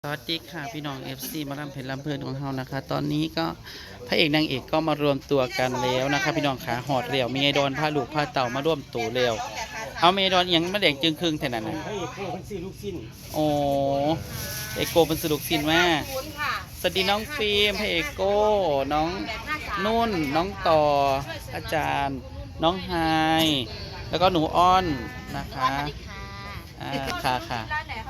สวัสดีค่ะพี่น้อง FC มาลำเพลินลำเพลินของเรานะคะตอนนี้ก็พระเอกนางเอกก็มารวมตัวกันแล้วนะคะพี่น้องขาหอดเรียวมีไอดอนผ้าลูกผ้าเต่ามาร่วมตัวเรียวเอาเมดอนยังมาแดงจึงครึ่งแท่นั้นนะพระเอกโก้เป็นสี่ลูกสิ้นโอ้เอกโกเป็นสรุปสินว่าสวัสดีน้องฟิล์มพระเอกโก้น้องนุ่นน้องต่ออาจารย์น้องไฮแล้วก็หนูอ้อนนะคะค่ะ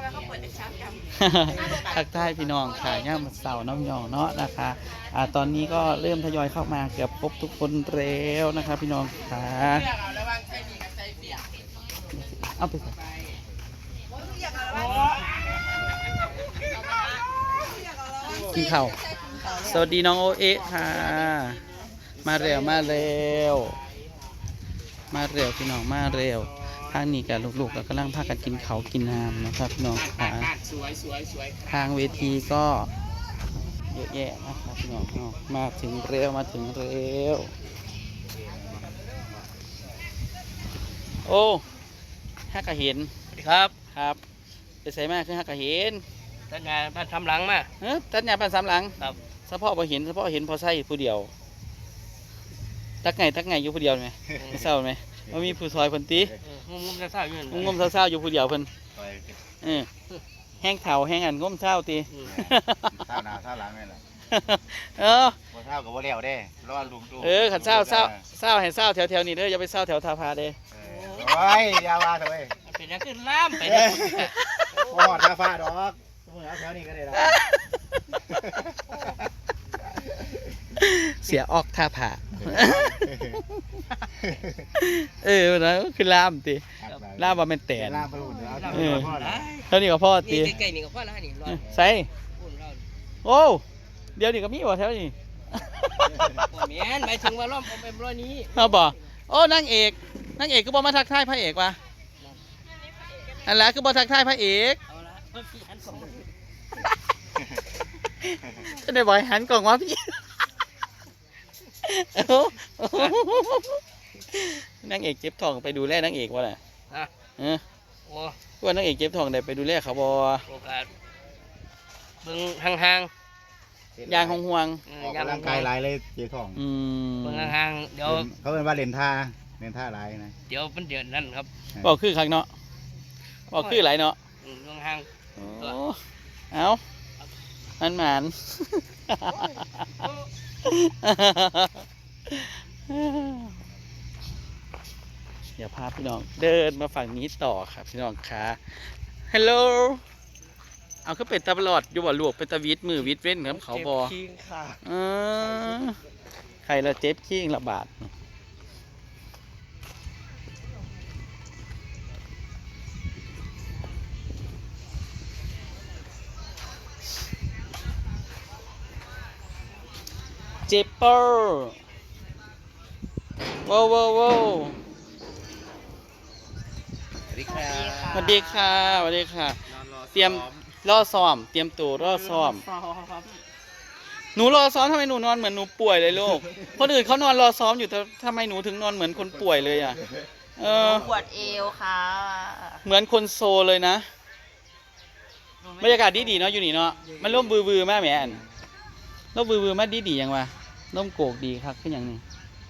ทักทายพี่น้องค่ะย่ามเสาน้ำยองเนาะนะคะตอนนี้ก็เริ่มทยอยเข้ามาเกือบครบทุกคนแล้วนะคะพี่น้องค่ะเอาไปกินข้าวสวัสดีน้องโอเอะค่ะมาเร็วพี่น้องมาเร็วทางนี้กับลูกๆก็กำลังพากันกินเขากินน้ำนะครับพี่น้องค่ะทางเวทีก็เยอะแยะนะครับพี่น้องมาถึงเร็วโอ้ฮักกะเห็นครับไปใส่มากคือฮักกะเห็นตัดงานบ้านทำหลังมาตัดหญ้าบ้านสามหลังครับเฉพาะพอเห็นพอใส่ผู้เดียวตักไงอยู่ผู้เดียวไหมไม่เศร้าไหมว่ามีผู้ซอยเพิ่นตีงมเศร้าอยู่งมเศร้าอยู่ผู้เดียวเพิ่นแห้งเข่าแห้งอันงมเศร้าตีเศร้าหนาเศร้าหลังนี่แหละบ่เศร้ากับบ่เลี้ยวเด้รอลุงตู้ขันเศร้าให้เศร้าแถวนี้เด้ออย่าไปเศร้าแถวทาพาเด้โอ้ยยาวาเถอะเว้ยเป็นยังขึ้นล่ามไปพอทาฟ้าดอกมึงเอาแถวนี้ก็ได้ละเสียออกท่าผ่านะคือล่ามตีล่ามว่าเป็นแต่ล่ามไปหุ่นเท่านี้ก็พ่อตีใกล้ๆนี่ก็พ่อแล้วนี่ใส่โอ้เดี๋ยวนี้ก็มีบ่แถวนี้แม่นหมายถึงว่าล้อมเป็นร้อยนี้เอาบ่โอ้นางเอกก็บ่มาทักทายพระเอกว่ะอันละคือบ่ทักทายพระเอกจะได้บ่อยหันกล่องว่าพี่นางเอกเจ็บท้องไปดูแลนางเอกวะน่ะว่านางเอกเจ็บท้องได้ไปดูแลเขาบ่โอกาสเบิ่งห่างยางห่วงยางร่างกายหลายเลยเจ็บท้องเบิ่งห่างเดี๋ยวเขาเป็นว่าเล่นท่าหลายนะเดี๋ยวเป็นเดือนนั่นครับบอกคือครั้งเนาะบอกคือหลายเนาะเบิ่งห่างเอามันหมานเดี๋ยวพาพี่น้องเดินมาฝั่งนี้ต่อครับพี่น้องค่ะฮัลโหลเอาขึ้นเป็นตลอดอยู่บ่ลวกเป็นตะวิดมือวิดเว้นครับเขาบอใครละเจ็บขี้งระบาดเจ็บเปอร์ว้าวสวัสดีค่ะเตรียมรอซ้อมเตรียมตัวรอซ้อมหนูรอซ้อมทำไมหนูนอนเหมือนหนูป่วยเลยลูกคนอื่นเขานอนรอซ้อมอยู่แต่ทำไมหนูถึงนอนเหมือนคนป่วยเลยอ่ะปวดเอวค่ะเหมือนคนโซเลยนะบรรยากาศดีเนาะอยู่นี่เนาะมันร่มบือมากแหมอันร่มบือมากดียังวะร่มโกกดีครับขึ้นอย่างนี้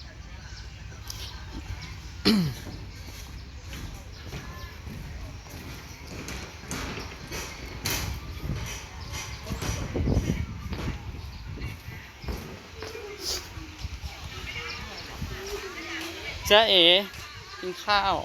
จ๊ะเอ๋กินข้าว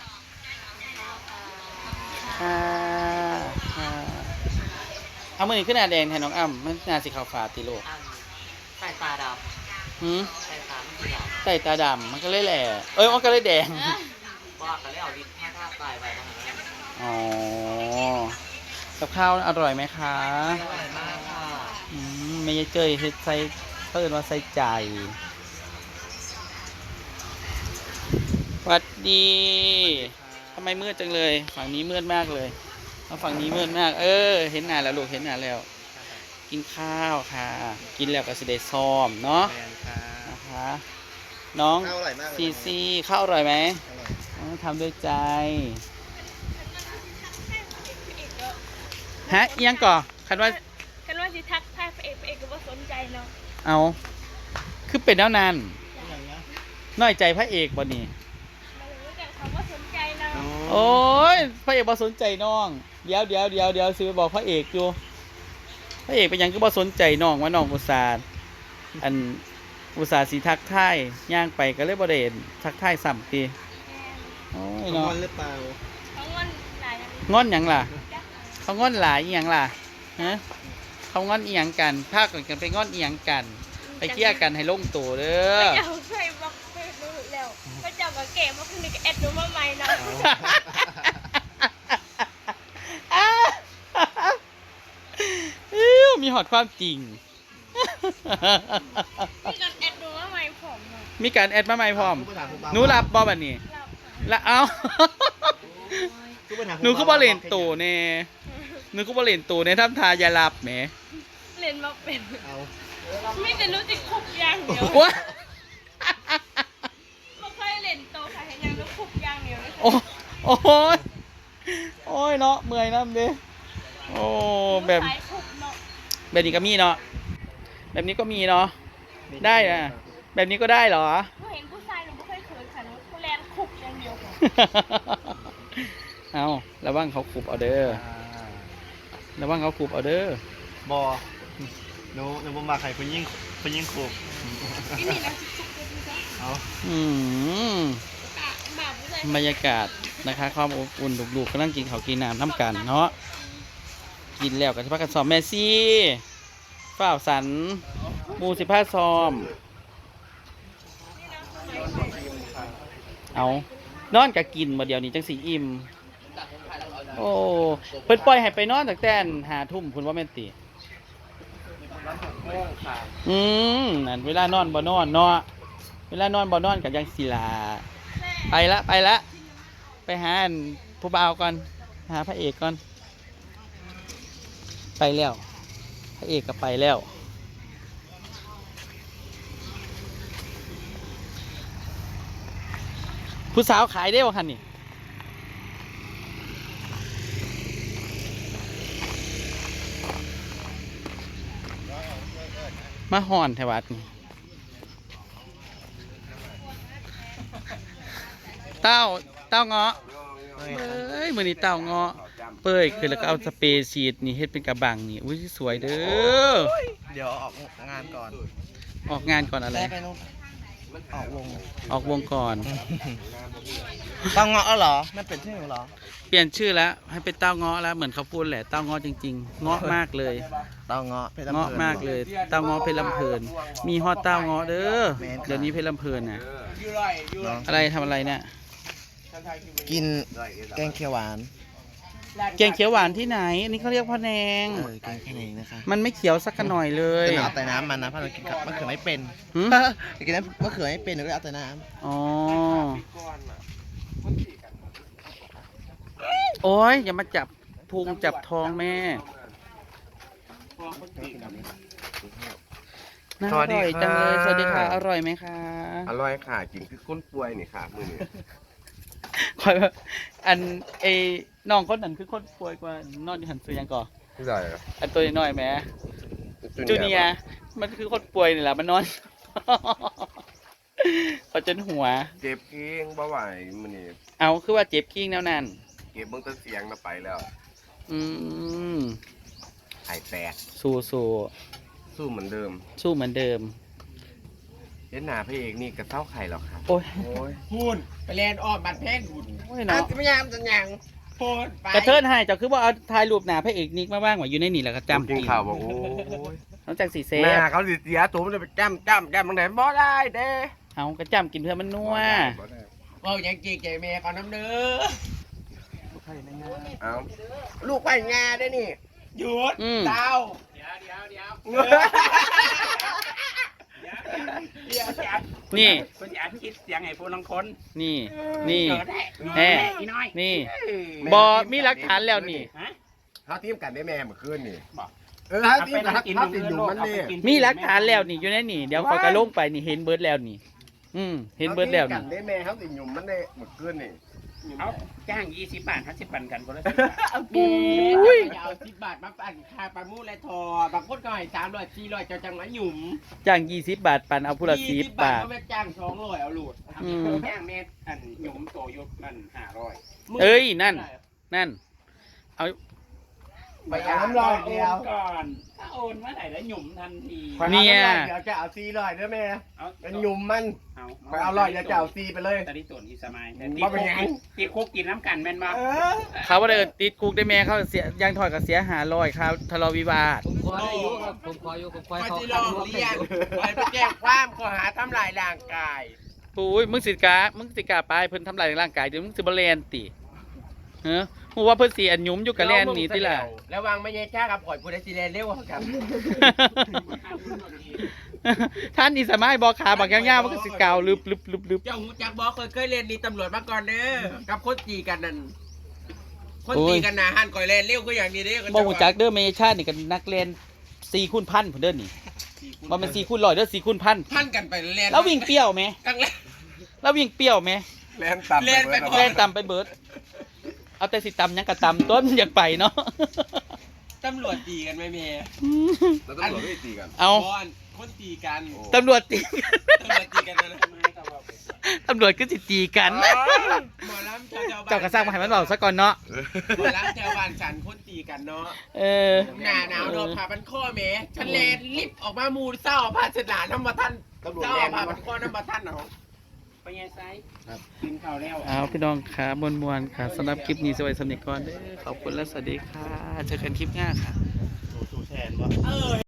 เอามือขึ้นหน้าแดงแทนน้องอ้ำมันหน้าสีขาวฟ้าตีโลใส่ตาดำใส่ตาไม่ดำใส่ตาดำมันก็เลยแหล่มันก็เลยแดงบอกกันแล้วลิ้นท่าตายไปบ้างอ๋อกับข้าวอร่อยไหมคะอร่อยมากค่ะไม่ใช่เจยใส่เพิ่มว่าใส่ใจสวัสดีทำไมมืดจังเลยฝั่งนี้มืดมากเลยฝั่งนี้มืดมากเห็นหน้าแล้วลูกเห็นหน้าแล้วกินข้าวค่ะกินแล้วก็สิได้ซ้อมเนาะนะคะน้องซีข้าวอร่อยไหมทำด้วยใจฮะยังก่อคันว่ากันว่าสิทักทายพระเอกก็บ่สนใจเนาะเอาคือเป็นแล้วนานน้อยใจพระเอกบ่นี่มารู้แต่เขาว่าสนใจเนาะโอ้ยพระเอกบ่สนใจน้องเดี๋ยวสิไปบอกพระเอกอยู่พระเอกเป็นหยังก็บ่สนใจน้องว่าน้องอุตส่าห์สิทักทายย่างไปก็เลยบ่ได้ทักทายซ้ำติโอ้ยนเนาะอนหรือเปล่าเขางอนหลายงอนหยังล่ะเขางอนหลายอีหยังล่ะฮะเขางอนอีหยังกันพากันไปงอนอีหยังกัน ไปเคลียร์กันให้ลงตัวเด้อเจ้าเคยบอกเคยรู้แล้วก็เจ้าก็เก๋มาคุณนี่ก็แอดหนูมาใหม่เนาะมีหอดความจริงมีการแอดหนูมาใหม่ผมเนาะมีการแอดมาใหม่พร้อมหนูรับบอบันนี้รับละเอาหนูก็บอเล่นตัวเน่หนูก็บอเล่นตัวเน่ทำทายาลับแหมเล่นมาเป็นเอาไม่แต่รู้จิกคุกอย่างเดียวว้าไม่เคยเล่นโตค่ะเห็นยังรู้คุกอย่างเดียวเลยโอ้โอ้ยโอ้ยเนาะเมื่อยน้ำเด้โอ้แบบสายคุกเนาะแบบนี้ก็มีเนาะแบบนี้ก็มีเนาะได้นะแบบนี้ก็ได้เหรอหนูเห็นผู้ชายหนูไม่เคยเขินค่ะหนูผู้แลนคุกอย่างเดียวค่ะเอาระวังเขาขูบเอาเด้อระวังเขาขูบเอาเด้อบอหนูบ่มาใครเพิ่นยิ่งครูที่นี่นะคุกเลยจ้ะเอาอืมบาปผู้ชายบรรยากาศนะคะความอบอุ่นลูกๆกำลังกินข้าวกินน้ำน้ำกันเนาะกินแล้วก็จะพักกันซ้อมแมซี่ฝ้าวสันหมูสิผ้าซ้อมเอานอนกับกินมาเดียวนี้จังสีอิ่มโอ้เพิ่นปล่อยให้ไปนอนตั้งแต่5 ทุ่มคุณว่าแม่นตินั่นเวลานอนบ่นอนเนาะเวลานอนบ่นอนกับยังศิลาไปละไปหาผู้บ่าวก่อนหาพระเอกก่อนไปแล้วพระเอกก็ไปแล้วผู้สาวขายได้บ่คันนี่มาห่อนแถวัดนี่เต้าเงาะเอ้ยมื้อนี้เต้าเงาะเป้ยคือแล้วก็เอาสเปรย์ฉีดนี่เฮ็ดเป็นกระบังนี่อุ้ยสวยเด้อเดี๋ยวออกงานก่อนออกงานก่อนอะไรได้ไปนู่นออกวงออกวงก่อนต้องเงาะแล้วเหรอนั่นเป็นชื่อหนูเหรอเปลี่ยนชื่อแล้วให้เป็นเต้าเงาะแล้วเหมือนเขาพูดแหละเต้าเงาะจริงๆเงาะมากเลยเต้าเงาะเพชรลำเงาะเพลินมากเลยเต้าเงาะเพชรลำเพลินมีฮอดเต้าเงาะเด้อแม่นค่ะเดี๋ยวนี้เพชรลำเพลินน่ะเนาะอะไรทำอะไรเนี่ยกินแกงเขียวหวานแกงเขียวหวานที่ไหนอันนี้เขาเรียกพ่อแนงแกงแค่นี้นะคะมันไม่เขียวสักหน่อยเลยจะเอาแต่น้ำมันนะเพราะเรากินกับมะเขือไม่เป็นหืมกินน้ำมะเขือไม่เป็นหนูก็เอาแต่น้อ๋อโอ้ยอย่ามาจับพุงจับท้องแม่น่าอร่อยจังเลยสวัสดีค่ะอร่อยไหมคะอร่อยค่ะกินคือก้นป่วยนี่ค่ะมือนี้คอยว่าอันไอ้น้องคนนั้นคือคนป่วยกว่านอนอยู่หันซื้อยังก่อพี่ใหญ่อันตัวน้อยๆแหมจูเนียร์มันคือคนป่วยนี่แหละมันนอน เขาจนหัวเจ็บกิ้งบ่ไหวมือนี้เอาคือว่าเจ็บกิ้งแนวนั้นเก็บเบิ่งแต้นเสียงน่ะไปแล้วอืมไข่แตกสู้สู้สู้เหมือนเดิมสู้เหมือนเดิมเห็นหน้าพระเอกนี่กระเซ้าไข่หรอกค่ะโอ้ยโอ้ยหุ่นไปแลนออกบัตรเพชรหุ่นโอ้ยเนาะจะพยายามจะยังพูดไปกระเทินให้เจ้าคือว่าเอาถ่ายรูปหน้าพระเอกนิกมาบ้างว่าอยู่ในนี่แหละก็จำกินปีนข่าวบอกโอ้ยนอกจากสีเซหฟน้าเขาสิเสียตัวมันจะไปจ้ำบางไหนบ่ได้เด้เอากระจำกินเพื่อมันนัวบ่ได้ว่ายังเก๋ๆแม่ก่อนน้ำเนื้อเอาลูกไปงาได้นี่หยุดอืมเต้านี่คุณอยากคิดเสียงไอ้พวกน้องคนนี่นี่เกิดได้แน่อีน้อยนี่บอมีหลักฐานแล้วนี่ฮะเขาทีมกันได้แม่เมื่อคืนนี่บอกเขาทีไปมกันนั่งกินเขาติดอยู่โลกมันเอานี่ไปกินมีหลักฐานแล้วนี่อยู่ในนี่เดี๋ยวเขาก็ลงไปนี่เห็นเบิร์ดแล้วนี่ เห็นเบิร์ดแล้วขาทีมกันี่นได้แม่เขาติดอยู่มันได้เมื่อคืนนี่เอาจ้าง20 บาท50ปันกันคนละอย่าเอา10 บาทมาปั่นค่าปลาหมูและทอบางคนก็ให้300 400เจ้าจังมาหยุ่มจ้าง20 บาทปันเอาผู้ละ10 บาทก็ไม่จ้าง200เอาโหลดจ้างเม็ดอันหยุมโตยุบมัน500 เอ้ยนั่น เอาไปเอาน้ำร้อยเดียวก่อนถ้าโอนเมื่อไหร่แล้วหยุมทันทีเนี่ยเดี๋ยวจะเอา400เด้อแม่เอาเป็นหยุ่มมันเอาไปเอา100เดี๋ยวจะเอา4ไปเลยตอนนี้ตัวนี้สมัยแต่บ่เป็นหยังตีคุกกินน้ำกันแม่นบ่เขาว่าเดินติดคุกได้แม่เขาเสียยังถอยกับเสีย500ครับทะเลาะวิวาทผมขออายุครับผมขออายุผมขอไปให้เขาที่ขัโรดงรวมเรียนไปแจ้งความข้อหาทำลายร่างกายปุ้ยมึงสิกาไปเพิ่นทำลายร่างกายเดี๋ยวมึงสิบ่แลนติเฮ้อฮู้ว่าเพิ่นสิอันหยุมอยู่กับแลนนี่ติล่ะระวังไม่ใช่ชากับข่อยผู้ใดสิแลนเร็วกว่ากันท่านนี่สามารถบอกขาบักยาวๆมันก็สิกาวลึบเจ้าหูจักบอกเคยเรียนนี่ตำรวจมาก่อนเด้อกับคนตีกันนั่นคนตีกันนะหันก่อยแลนเร็วก็อย่างนี้เด้อบ่ฮู้จักเด้อเมชาตินี่ก็นักเรียน4คูณพันพุ่นเด้อนี่บ่แม่น4คูณ100เด้อ4คูณพันพันกันไปแลนแล้ววิ่งเปรี้ยวไหมตั้งแลนแล้ววิ่งเปรี้ยวไหมแล่นต่ำแล่นไปก่อแล่นต่ำไปเบิดเอาแต่สิต่ำยังก็ต่ำต้นอยากไปเนาะตำรวจตีกันไหมเมย์แล้วตำรวจไม่ตีกันเอาบอนคนตีกันตำรวจตีตำรวจตีกันนะตำรวจก็สิตีกันหมอลำชาวบ้านเจ้ากระซังมาให้มันบอกซะก่อนเนาะหมอลำชาวบ้านฉันคนตีกันเนาะเออหน้าหนาวโดนผ่าพันข้อเมย์ฉันแลนลิฟต์ออกมามูเศร้าผ้าเช็ดหนาน้ำมาท่านเศร้าผ่าพันข้อน้ำมาท่านเนาะไปยังไซกินข้าวแล้วเอาพี่น้องค่ะมวนๆค่ะสำหรับคลิปนี้สวัสดีสำนึกก่อนเด้อขอบคุณและสวัสดีค่ะเจอกันคลิปหน้าค่ะสู้แทนวะ